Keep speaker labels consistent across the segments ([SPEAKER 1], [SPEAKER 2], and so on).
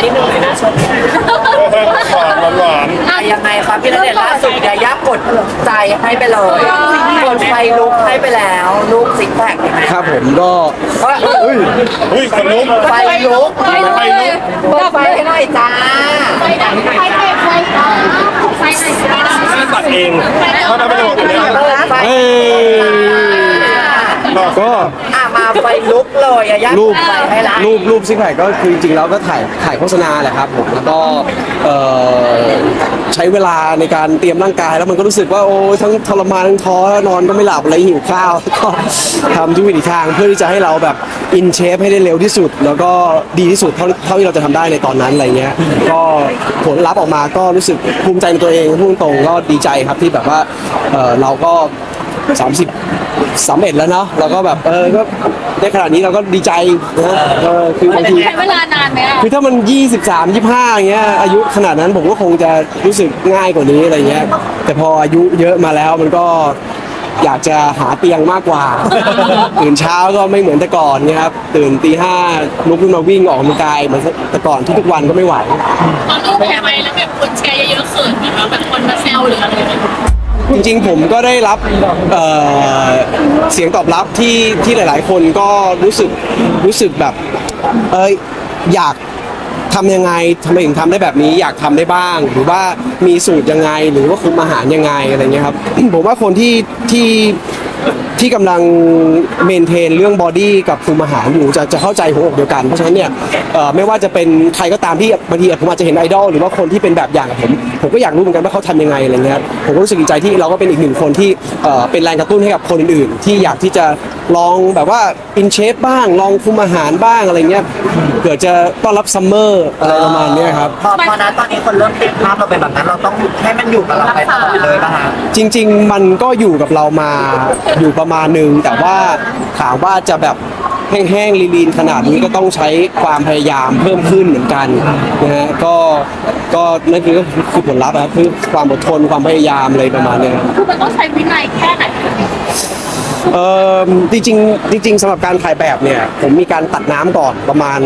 [SPEAKER 1] ที่หนึ่งเลยนะช่วงนี้
[SPEAKER 2] หวาน
[SPEAKER 1] ยังไงครับพี่ณเดชน์ล่าสุดยายากดใจให้ไปเลยกดไฟลุกให้ไปแล้วลูกซิกแพค
[SPEAKER 3] ครับผมก็
[SPEAKER 2] เฮ้ยคนลุก
[SPEAKER 1] ไฟลุก
[SPEAKER 2] ไฟลุก
[SPEAKER 1] เปิดไฟให้หน่อยจ้า
[SPEAKER 2] ตัดเองเพราะทำไม่ได้หมดเลย
[SPEAKER 1] เปิดไฟ
[SPEAKER 3] เอ้ก็
[SPEAKER 1] มาไฟลุกเลยยายา
[SPEAKER 3] รูป
[SPEAKER 1] ไฟให้ละ
[SPEAKER 3] รูปซิกแพคก็คือจริงๆแล้วก็ถ่ายโฆษณาแหละครับผมแล้วก็ใช้เวลาในการเตรียมร่างกายแล้วมันก็รู้สึกว่าโอ้ทั้งทรมานทั้งท้อนอนก็ไม่หลับอะไรหิวข้าวก็ทำทุกวิถีทางเพื่อที่จะให้เราแบบอินเชฟให้ได้เร็วที่สุด แล้วก็ดีที่สุดเท่าที่เราจะทำได้ในตอนนั้นอะไรเงี้ยก็ผลลัพธ์ออกมาก็รู้สึกภูมิใจในตัวเองพูดตรงๆก็ดีใจครับที่แบบว่าเราก็31แล้วเนาะเราก็แบบก็ได้ขนาดนี้เราก็ดีใจนะคือบางที
[SPEAKER 4] ใช้เวลานานไหมอ่ะ
[SPEAKER 3] คือถ้ามัน23 25อย่างเงี้ยอายุขนาดนั้นผมก็คงจะรู้สึกง่ายกว่านี้อะไรเงี้ยแต่พออายุเยอะมาแล้วมันก็อยากจะหาเตียงมากกว่า ตื่นเช้าก็ไม่เหมือนแต่ก่อนเนี่ยครับตื่นตี 5ลุกขึ้นมาวิ่งออกกำลังกายเหมือนแต่ก่อนทุกๆวันก็ไม่ไหว
[SPEAKER 4] ตอนลูกแพ้ไปแล้วแบบคนแชร์เยอะๆเขินนะคะแบบคนมาแซวหรืออะไรอย่างเงี้ย
[SPEAKER 3] จริงๆผมก็ได้รับเสียงตอบรับที่หลายๆ คนก็รู้สึกแบบอยากทำยังไงทำไมถึงทำได้แบบนี้อยากทำได้บ้าง หรือว่ามีสูตรยังไงหรือว่าคุมอาหารยังไงอะไรเงี้ยครับ ผมว่าคนที่กำลังเมนเทนเรื่องบอดี้กับคุมอาหารอยู่จะเข้าใจหัวอกเดียวกันเพราะฉะนั้นเนี่ยไม่ว่าจะเป็นใครก็ตามที่บางทีผมอาจจะเห็นไอดอลหรือว่าคนที่เป็นแบบอย่างกับผมก็อยากรู้เหมือนกันว่าเขาทำยังไงอะไรเงี้ยผมก็รู้สึกดีใจที่เราก็เป็นอีกหนึ่งคนที่เป็นแรงกระตุ้นให้กับคนอื่นๆที่อยากที่จะลองแบบว่าอินเชฟบ้างลองคุมอาหารบ้างอะไรเงี้ยเกิดจะต้อนรับซัมเมอร์อะไรประมาณเนี้ยครับ
[SPEAKER 1] พอนะตอนนี้คนเริ่มติดภาพเราเป็นแบบนั้นเราต้องให้มันอยู่กับเราไปตลอดเลยป่ะคะ
[SPEAKER 3] จริงๆมันก็อยู่กับเรามาอยู่ประมาณหนึ่งแต่ว่าถามว่าจะแบบแห้งๆลีนๆขนาดนี้ก็ต้องใช้ความพยายามเพิ่มขึ้นเหมือนกันนะฮะก็นั่นคือผลลัพธ์นะครับคือความอดทนความพยายามอะไรประมาณเนี้ย
[SPEAKER 4] คือมันต้องใช้วินัยแค่ไหน
[SPEAKER 3] จริงๆสำหรับการถ่ายแบบเนี่ยผมมีการตัดน้ำก่อนประมาณ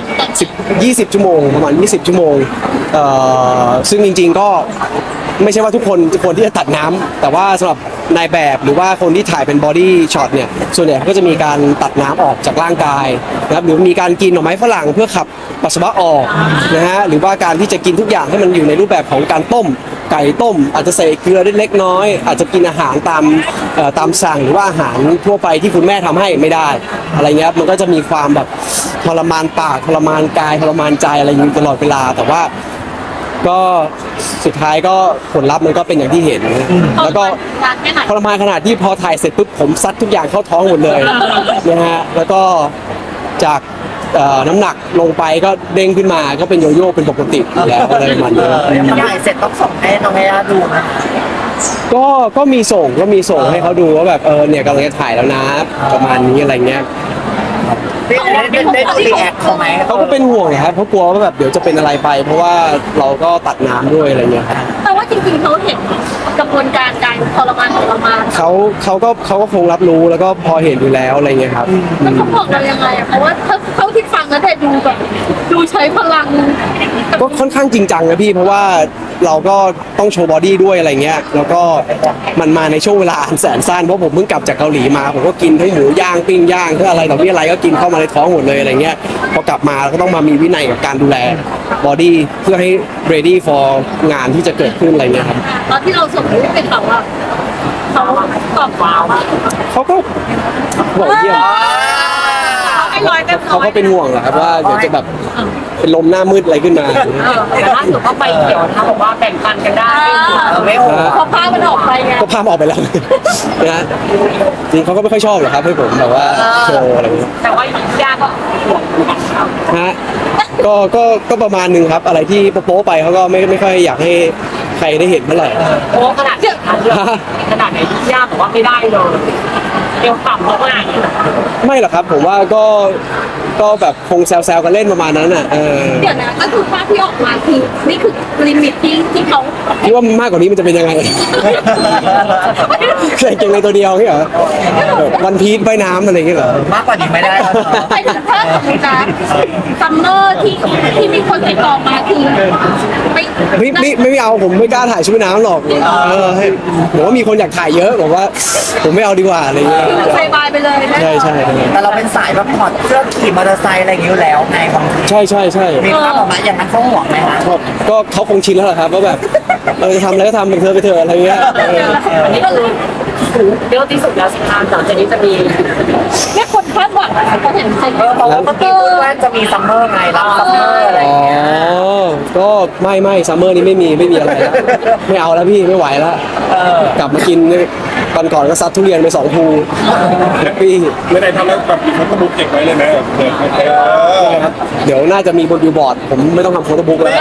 [SPEAKER 3] 20 ชั่วโมงประมาณ20 ชั่วโมงซึ่งจริงๆก็ไม่ใช่ว่าทุกคนที่จะตัดน้ำแต่ว่าสำหรับนายแบบหรือว่าคนที่ถ่ายเป็นบอดี้ช็อตเนี่ยส่วนใหญ่เขาก็จะมีการตัดน้ำออกจากร่างกายนะครับหรือมีการกินหน่อไม้ฝรั่งเพื่อขับปัสสาวะออกนะฮะหรือว่าการที่จะกินทุกอย่างให้มันอยู่ในรูปแบบของการต้มไก่ต้มอาจจะใส่เกลือเล็กน้อยอาจจะกินอาหารตามสั่งหรือว่าอาหารทั่วไปที่คุณแม่ทำให้ไม่ได้อะไรเงี้ยมันก็จะมีความแบบทรมานปากทรมานกายทรมานใจอะไรอยู่ตลอดเวลาแต่ว่าก็สุดท้ายก็ผลลัพธ์มันก็เป็นอย่างที่เห็นแล้วก็
[SPEAKER 4] นานแค่ไหน
[SPEAKER 3] ทรมานขนาดที่พอถ่ายเสร็จปุ๊บผมซัดทุกอย่างเข้าท้องหมดเลยนะฮะแล้วก็จากน้ำหนักลงไปก็เด้งขึ้นมาก็เป็นโยโย่เป็นปกติอยู่แล้วอะไรประมาณนี้
[SPEAKER 1] ถ่ายเสร็จต้องส่งให้น้องแม่ดูนะ
[SPEAKER 3] ก็มีส่งให้เขาดูว่าแบบเนี่ยกำลังจะถ่ายแล้วนะประมาณนี้อะไรเงี้ย
[SPEAKER 1] ได้ดูรีแอคเขาไหม
[SPEAKER 3] เขาก็เป็นห่วงครับเขากลัวว่าแบบเดี๋ยวจะเป็นอะไรไป เพราะว่าเราก็ตัดน้ำด้วยอะไรเงี้ยครับ
[SPEAKER 4] แต่ว่าจริงๆเขาเห็นกระบวนการการทรมานของเรามา
[SPEAKER 3] เขาก็คงรับรู้แล้วก็พอเห็นอยู่แล้วอะไรเงี้ยครับ
[SPEAKER 4] แล้วเขาบอกเรายังไงอะเพราะว่าเท่าที่ฟังแล้วแต่ดูแบบดูใช้พลัง
[SPEAKER 3] ก็ค่อนข้างจริงจังนะพี่เพราะว่าเราก็ต้องโชว์บอดี้ด้วยอะไรเงี้ยแล้วก็มันมาในช่วงเวลาอันแสนสั้นเพราะผมเพิ่งกลับจากเกาหลีมาผมก็กินทั้งหมูย่างปิ้งย่างทั้งอะไรต่อมีอะไรก็กินเข้ามาในท้องหมดเลยอะไรเงี้ยพอกลับมาเราก็ต้องมามีวินัยกับการดูแลบอดี้เพื่อให้ ready for งานที่จะเกิดขึ้นอะไรเงี้ยครับ
[SPEAKER 4] ตอนที่เราส่งรูปไปเขาอะเขาตอบว้าวอะ
[SPEAKER 3] เขาก็บอกเยี่ยม
[SPEAKER 4] ให้ร้อยเต็มร้
[SPEAKER 3] เขา
[SPEAKER 4] อย
[SPEAKER 3] ก็เป็นห่วงแหละครับว่าเดี๋ยวจะแบบเป็นลมหน้ามืดอะไรขึ้นมา
[SPEAKER 1] แต่ล่าสุดก็ไปเขียวถ้าบอกว่าแบ่งปันกันได้ไม่โหด
[SPEAKER 4] พอภาพมันออกไปไง
[SPEAKER 3] ก็พามาออกไปแล้ว นะฮะจริงเขาก็ไม่ค่อยชอบหรอกครับให้ผมแบบว่าโชว์อะไรอย่างเงี้ย
[SPEAKER 1] แต่ว่าย่าก็ห่วงเหมือนกันครับ
[SPEAKER 3] ฮะก็ประมาณหนึงครับ อะไรที่โป๊ะๆไปเขาก็ไม่ค่อยอยากให้ใครได้เห็นเท่าไหร่
[SPEAKER 1] โอ้ขนาดไหนขนาดไหนย่าบอกว่าไม่ได้เลย
[SPEAKER 5] ดียวขำแล้วอ่ะ
[SPEAKER 3] ไม่หรอกครับผมว่าก็แบบคงแซวๆกันเล่นประมาณนั้นอ่ะ
[SPEAKER 4] เดี๋ยวนะก็คือภาพที่ออกมาคือนี่คือลิมิตที่เขา
[SPEAKER 3] คิดว่ามากกว่านี้มันจะเป็นยังไง ใส่เกงในตัวเดียวนี่เหรอแบบวันพีชว่ายน้ำอะไรอย่างเงี้ยเหรอ
[SPEAKER 1] มากกว่านี้ไม่ได้แล้วเนอะ
[SPEAKER 4] ไปถึงถ้าสมมตินะซัมเมอร์ที่มีคนติดต่อมาคือ
[SPEAKER 3] ไม่เอาผมไม่กล้าถ่ายชุดว่ายน้ำหรอกให้ผมว่ามีคนอยากถ่ายเยอะบอกว่าผมไม่เอาดีกว่าอะไรเงี้ย
[SPEAKER 4] คือใส่บายไปเลยนะ
[SPEAKER 3] ใช่
[SPEAKER 1] แต่เราเป็นสายแบบถอดเสื้อขี่มอเตอร์ไซค์อะไรอย่างนี้อยู่แล้วไงบางที
[SPEAKER 3] ใช่
[SPEAKER 1] มีภาพออกมาอย่างนั้นเขาห่วงไหมคะ
[SPEAKER 3] ก็เขาคงชินแล้วแหละครับว่าแบบจะทำอะไรก็ทำไปเถอะอะไรเงี้ย
[SPEAKER 5] อันนี้ก็เลยเรียกว่าที่สุดแล้วสิคะหลังจากนี้จะมี
[SPEAKER 4] แค่คนคาดหวังเขาเห็นใจ
[SPEAKER 1] เพราะว่าเมื่อกี้พูดว่าจะมีซัมเมอร์ไงรับซัมเมอร์อะไรอย่างเงี้ย
[SPEAKER 3] ก็ไม่ซัมเมอร์นี้ไม่มีอะไรแล้วไม่เอาแล้วพี่ไม่ไหวแล้วกลับมากินตอนก่อนก็ซัดทุเรียนไป2 ภูพี่
[SPEAKER 2] ไม่ได้ทำแล้วแบบมีโฟโต้บุ๊กเก็บไว้เลยไหม
[SPEAKER 3] เดี๋ยวน่าจะมีบนบิลบอร์ดผมไม่ต้องทำโฟโต้บุ๊กแล้ว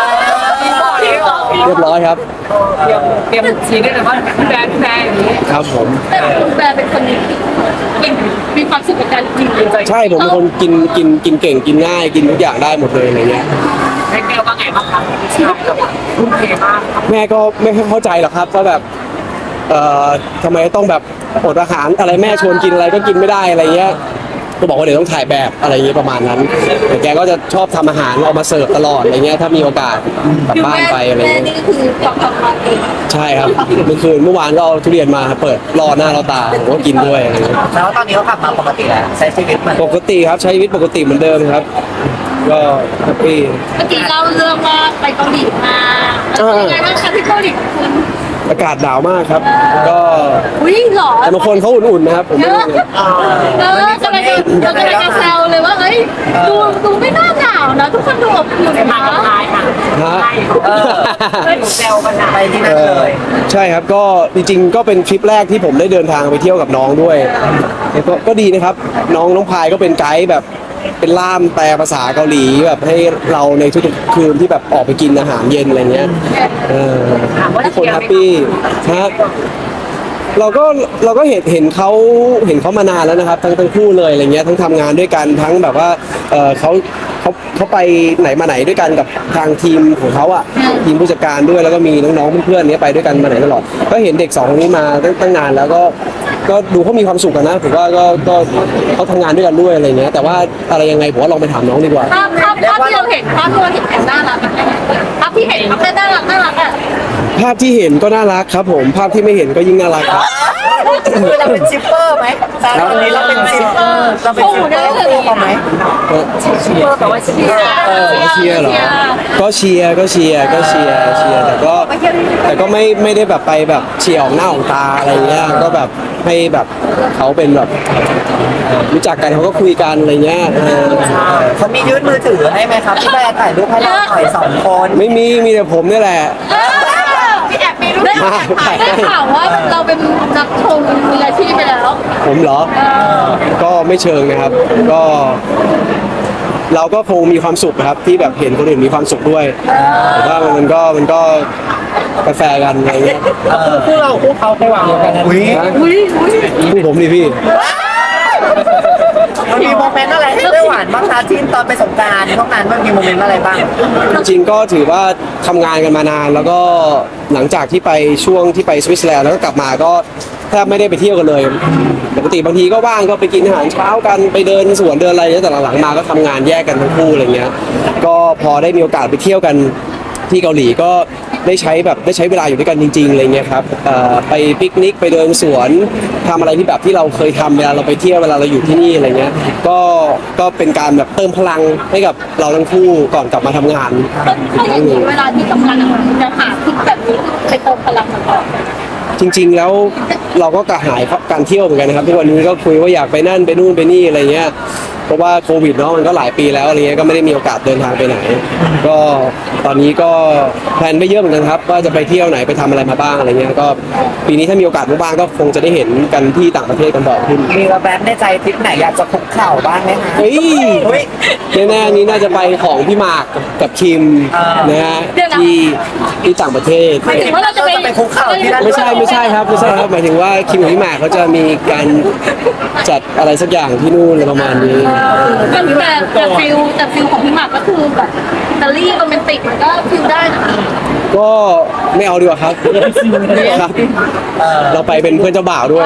[SPEAKER 3] เรียบร้อยครับ
[SPEAKER 5] เตรียมชี้ได้เลยว่าแบรนด์อย่างนี้
[SPEAKER 3] ครับผม
[SPEAKER 4] แต่คุณแบร์เป็นคนมีความสุขกับการกิน
[SPEAKER 3] ใช่ผมเป็นคนกินเก่งกินง่ายกินทุกอย่างได้หมดเลยอะไรเงี้ย
[SPEAKER 5] แม่แก้วว่าไงบ้างคะชอบแบบทุ่มเทมาก
[SPEAKER 3] แม่ก็ไม่เข้าใจหรอกครับว่าแบบทำไมต้องแบบอดอาหารอะไรแม่ชวนกินอะไรก็กินไม่ได้อะไรเงี้ยก็บอกว่าเดี๋ยวต้องถ่ายแบบอะไรเงี้ยประมาณนั้นแต่แกก็จะชอบทำอาหารเอามาเสิร์ฟตลอดอะไรเงี้ยถ้ามีโอกาสกลับบ้านไปอะไร
[SPEAKER 4] แม่
[SPEAKER 3] เงี้ย
[SPEAKER 4] นี่ก็คือทำมาเอง
[SPEAKER 3] ใช่ครับเมื่อวานก็เอาทุเรียนมาเปิดรอหน้ารอตาผมก็กินด้วยอะไรเงี้ย
[SPEAKER 1] แล้วตอนนี้เขากลับมาปกติแล้วใช้ชีวิตเหมือน
[SPEAKER 3] ปกติครับใช้ชีวิตปกติเหมือนเดิมครับ ก็แฮปปี้
[SPEAKER 4] เมื่อกี้เล่าเรื่องว่าไปเกาหลีมาเป็นยังไงบ้างคะที่เกาหลีคุณ
[SPEAKER 3] อากาศหนาวมากครับ ก็
[SPEAKER 4] อุ้ยหรอ
[SPEAKER 3] แต่บางคนเขาอุ่นๆนะครับผม
[SPEAKER 4] เย
[SPEAKER 3] ไม่
[SPEAKER 4] อะ
[SPEAKER 3] รู้เลย
[SPEAKER 4] กำลังจะแซวเลยว่าเฮ้ยดูไม่น่าหนาวนะทุกคนดูอบอุ่น
[SPEAKER 5] มา
[SPEAKER 4] นะ
[SPEAKER 5] กับนายค่ะ
[SPEAKER 3] ฮะ
[SPEAKER 5] เพื่อนแซวกันนะ
[SPEAKER 1] ไปที่นั่นเลย
[SPEAKER 3] ใช่ครับก็จริงๆก็เป็นทริปแรกที่ผมได้เดินทางไปเที่ยวกับน้องด้วยก็ดีนะครับน้องพายก็เป็นไกด์แบบเป็นล่ามแปลภาษาเกาหลีแบบให้เราในทุกๆคืนที่แบบออกไปกินอาหารเย็นอะไรเงี้ยทุกคนแฮปปี้ฮะเราก็เห็นเขามานานแล้วนะครับทั้งคู่เลยอะไรเงี้ยทั้งทำงานด้วยกันทั้งแบบว่าเขาไปไหนมาไหนด้วยกันกับทางทีมของเขาอ่ะทีมผู้จัดการด้วยแล้วก็มีน้องๆเพื่อนๆเนี้ยไปด้วยกันมาไหนตลอดก็เห็นเด็ก2คนนี้มาตั้งนานแล้วก็ดูเขามีความสุขกันนะผมว่าก็เขาทำงานด้วยกันด้วยอะไรเงี้ยแต่ว่าอะไรยังไงผมว่าลองไปถามน้องดีกว่า
[SPEAKER 4] ภาพที่เราเห็นกันน่ารักภาพที่เห็นภาพน่ารักอ่ะ
[SPEAKER 3] ภาพที่เห็นก็น่ารักครับผมภาพที่ไม่เห็นก็ยิ่งน่ารักครับ
[SPEAKER 1] คือเราเป็นชิปเปอร์ไหมตอนนี้เราเป็นชิปเปอร์เราเป็นชิปเปอร์คู่เขาไหม
[SPEAKER 5] ชิปเปอร์แปลว่าเชียร์
[SPEAKER 3] เชียร์เหรอก็เชียร์แต่ก็ไม่ได้แบบไปแบบเชียร์ออกหน้าออกตาอะไรเงี้ยก็แบบให้แบบเขาเป็นแบบรู้จักกันเขาก็คุยกันอะไรเงี้ย
[SPEAKER 1] เขามียื่นมือถือให้ไหมครับพี่แบร์ถ่ายรูปให้เราหน่อย2 คน
[SPEAKER 3] ไม่มีแต่ผมนี่แหละ
[SPEAKER 4] พี่แอบมีรู้ได้ข่าวว่าเราเป็นนักชมมืออาชีพไปแล้ว
[SPEAKER 3] ผมเหรอ ก็ไม่เชิงนะครับ ก็เราก็คงมีความสุขนะครับที่แบบเห็นคนอื่นมีความสุขด้วยแต่ว่ามันก็กาแฟกันอะไรเงี้ย
[SPEAKER 1] คู่เราคู่เขาไปวางกันนะ
[SPEAKER 3] พูดผมดิพี่
[SPEAKER 1] มันมีโมเมนต์อะไรให้ได้หวานบ้างคะที่ตอนไปสงกรานต์พวกนั้นมันมีโมเมนต์อะไรบ้าง
[SPEAKER 3] จริงๆก็ถือว่าทำงานกันมานานแล้วก็หลังจากที่ไปช่วงที่ไปสวิตเซอร์แลนด์แล้วก็กลับมาก็แทบไม่ได้ไปเที่ยวกันเลยปกติบางทีก็ว่างก็ไปกินอาหารเช้ากันไปเดินสวนเดินอะไรแต่หลังๆมาก็ทำงานแยกกันทั้งคู่อะไรเงี้ยก็พอได้มีโอกาสไปเที่ยวกันที่เกาหลีก็ได้ใช้เวลาอยู่ด้วยกันจริงๆอะไรเงี้ยครับไปปิกนิกไปเดินสวนทำอะไรที่แบบที่เราเคยทำเวลาเราไปเที่ยวเวลาเราอยู่ที่นี่อะไรเงี้ยก็เป็นการแบบเติมพลังให้กับเราทั้งคู่ก่อนกลับมาทำงาน
[SPEAKER 4] ถ้าอย่างนี้เวลาที่ทำงานจะหาทิศแบบนี้ไปเติมพลังมันออก
[SPEAKER 3] จริงๆแล้วเราก็กระหายการเที่ยวเหมือนกันนะครับทุกวันนี้ก็คุยว่าอยากไปนั่นไปนู่นไปนี่อะไรเงี้ยเพราะว่าโควิดเนาะมันก็หลายปีแล้วอะไรเงี้ยก็ไม่ได้มีโอกาสเดินทางไปไหน ก็ตอนนี้ก็แพลนไม่เยอะเหมือนกันครับว่าจะไปเที่ยวไหนไปทำอะไรมาบ้างอะไรเงี้ยก็ปีนี้ถ้ามีโอกาสบ้างก็คงจะได้เห็นกันที่ต่างประเทศกันบ่อยขึ้น
[SPEAKER 1] มีแวบๆในใจทริปไหนอยากจะคุกเข่าบ้างไหมคะ
[SPEAKER 3] เฮ้ย
[SPEAKER 1] เฮ้ย
[SPEAKER 3] แน่ๆนี้น่าจะไปของพี่หมากกับคิมนะฮะที่ต่างประเทศ
[SPEAKER 4] หมายถึงว่าเราจะไป
[SPEAKER 1] คุกเข่าที่นั่น
[SPEAKER 3] ไม่ใช่ครับหมายถึงว่าคิมกับพี่หมากเขาจะมีการจัดอะไรสักอย่างที่นู่นอะไรประมาณนี้
[SPEAKER 4] แต่ฟิลของพี่หมากก็คือแบบอิตาลีโรแมนติกมันก็ฟิลได้นะ
[SPEAKER 3] ก็ไม่เอาดีกว่าครับครับ เราไปเป็นเพื่อนเจ้าบ่าวด้วย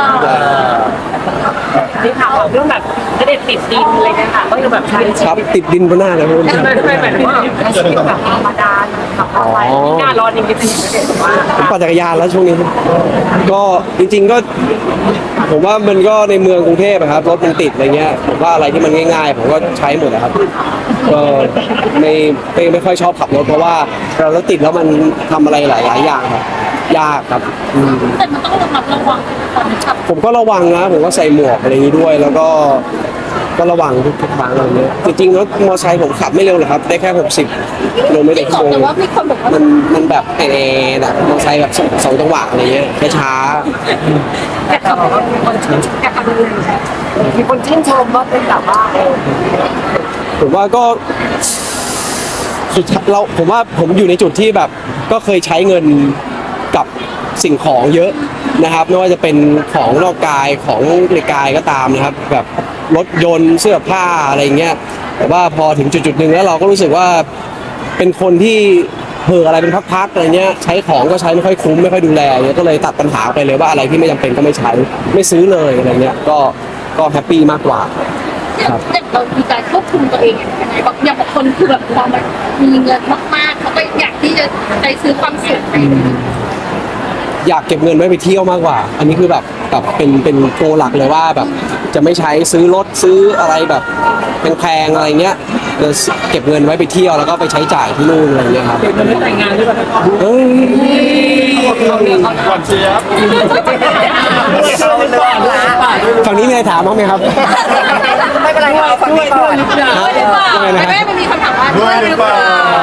[SPEAKER 5] ที่ข่าวเรื่องแบบเสด็จติดดินอะไรเนี่ยค่ะก็คือแบบใช้ชี
[SPEAKER 3] ครับ
[SPEAKER 5] วิต
[SPEAKER 3] ติดดินบนหน้าเลยพี่
[SPEAKER 5] ทำไมแบบว่าใช้ชีวิตแบบธรรมดาขับรถไปหน้าร้อนยังจะถึงเสด็จว่า
[SPEAKER 3] ผมปั่นจักรยานแล้วช่วงนี้ ก็จริงๆก็ ผมว่ามันก็ในเมืองกรุงเทพอะครับรถมันติดอะไรเงี้ยผมว่าอะไรที่มันง่ายๆผมก็ใช้หมดนะครับ ก็ไม่ค่อยชอบขับรถเพราะว่าเรารถติดแล้วมันทำอะไรหลายๆอย่างครับยากครับอืม
[SPEAKER 4] แต่มันต้องระมัดระวังก่อนขับ
[SPEAKER 3] ผมก็ระวังนะผมก็ใส่หมวกอะไรอย่างนี้ด้วย แล้วก็ระวังทุกครั้งอะไรเงี้ยจริงๆรถมอเตอร์ไซค์ผมขับไม่เร็วเลยครับได้แค่60กิโลเมตรต่อชั่วโมง
[SPEAKER 4] แต่ว่ามีคนบอกว่า
[SPEAKER 3] มันแบบแอร์แบบมอเตอร์ไซค์แบบสองจังหวะอะไรเงี้ยช้า
[SPEAKER 5] แต่เขาบอกว่ามีคนชื่นมีคนชื่นชมว่าเป็นแบบว่า
[SPEAKER 3] ๆผมว่าก็สุดท้ายผมว่าผมอยู่ในจุดที่แบบก็เคยใช้เงินกับสิ่งของเยอะนะครับไม่ว่าจะเป็นของนอกกายของในกายก็ตามนะครับ แบบรถยนต์เสื้อผ้าอะไรเงี้ยแต่ว่าพอถึงจุดๆหนึ่งแล้วเราก็รู้สึกว่าเป็นคนที่เห่ออะไรเป็นพักๆอะไรเงี้ยใช้ของก็ใช้ไม่ค่อยคุ้มไม่ค่อยดูแลเงี้ยก็เลยตัดปัญหาไปเลยว่าอะไรที่ไม่จำเป็นก็ไม่ใช้ไม่ซื้อเลยอะไรเงี้ยก็แฮปปี้มากกว่า ครับ
[SPEAKER 4] เรามีการควบคุมตัวเองยังไงบางคนคือแบบพอมันมีเงินมากๆเขาก็อยากที่จะไปซื้อความสุขไป
[SPEAKER 3] อยากเก็บเงินไว้ไปเที่ยวมากกว่า อันนี้คือแบบเป็นโกหลักเลยว่าแบบจะไม่ใช้ซื้อรถซื้ออะไรแบบแพงๆอะไรเงี้ยจะเก็บเงินไว้ไปเที่ยวแล้วก็ไปใช้จ่ายที่นู่นอะไรเงี้ยครับ
[SPEAKER 5] มันไม่แต่งงานด้วยป่ะ
[SPEAKER 3] เฮ้ย
[SPEAKER 2] ก่อนเชียร์
[SPEAKER 1] เอาเรื่องละ
[SPEAKER 3] ฝั่งนี้มีอะไรถามบ้างไหมครับ
[SPEAKER 1] ไม่เป็นไรเอาฝั่งนี้ก่อน
[SPEAKER 4] ด้วยหรือเปล่าแม่มันมีคำถามว่าด้วยหรือเปล่า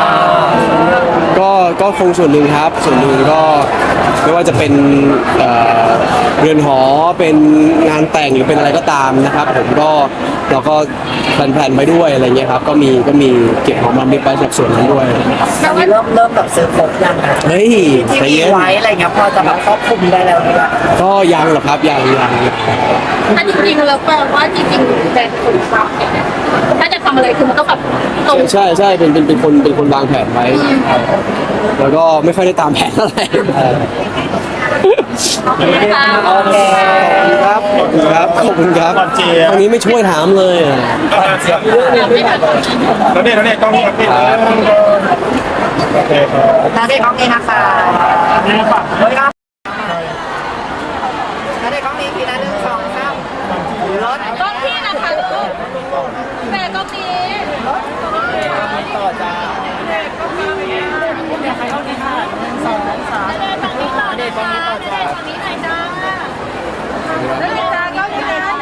[SPEAKER 3] ก็คงส่วนหนึ่งครับส่วนหนึ่งก็ไม่ว่าจะเป็นเรือนหอเป็นงานแต่งหรือเป็นอะไรก็ตามนะครับ ผมก็เราก็แพลนๆไว้ด้วยอะไรเงี้ยครับก็มีเก็บหอมรอมริบไว้จากส่วนนั้นด้วย
[SPEAKER 1] แต่ว่าเริ่มแบบซื้อครบยังนะ
[SPEAKER 3] เฮ้ย
[SPEAKER 1] ที่
[SPEAKER 3] ใจ
[SPEAKER 1] มี
[SPEAKER 3] เย็น
[SPEAKER 1] ไว้อะไรเงี้ยพอจะแบบครอบคลุมได้แล้วเนี่ย
[SPEAKER 3] ก็ยังหรอกครับยัง
[SPEAKER 4] ถ้าจริงๆแล้วแปลว่าจริงๆแต่คนฟังเนี่ยถ้าจะทำอะไรคือมันต้องแบบตรง
[SPEAKER 3] ใช่เป็นคนวางแผนไว้ แล้วก็ไม่ค่อยได้ตามแผนเท่าไหร่
[SPEAKER 4] นะคะ
[SPEAKER 1] โอเค
[SPEAKER 3] ครับขอบคุณครับ
[SPEAKER 2] ก่อนเชียร์
[SPEAKER 3] ตรงนี้ไม่ช่วยถามเลยอะ
[SPEAKER 4] ไม่ทัน
[SPEAKER 2] แล้วเนี่ยกล้องนี้ครับโอเคครับ
[SPEAKER 1] นาเด็กก้องนี้นะคะเฮ้ยครับนาเด็กก้องนี้ทีละ1 2 3รถ
[SPEAKER 4] กล้องพี่นะคะลูกแม่กล้องนี้
[SPEAKER 1] ต่อจ้า
[SPEAKER 4] เดินตรงนี้ต่อจ้าเดินตรงนี้หน่อยจ้าเดินจ้าก็มีนะ1 2 3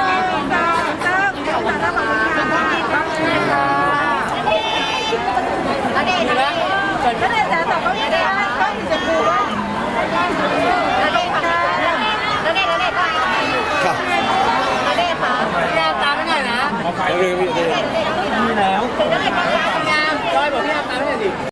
[SPEAKER 4] ก็เลยจ้าแต่ก็มีนะก็มีจะดูว่า
[SPEAKER 3] ครับ
[SPEAKER 4] แกตามไปหน่อยนะ
[SPEAKER 3] แล้ว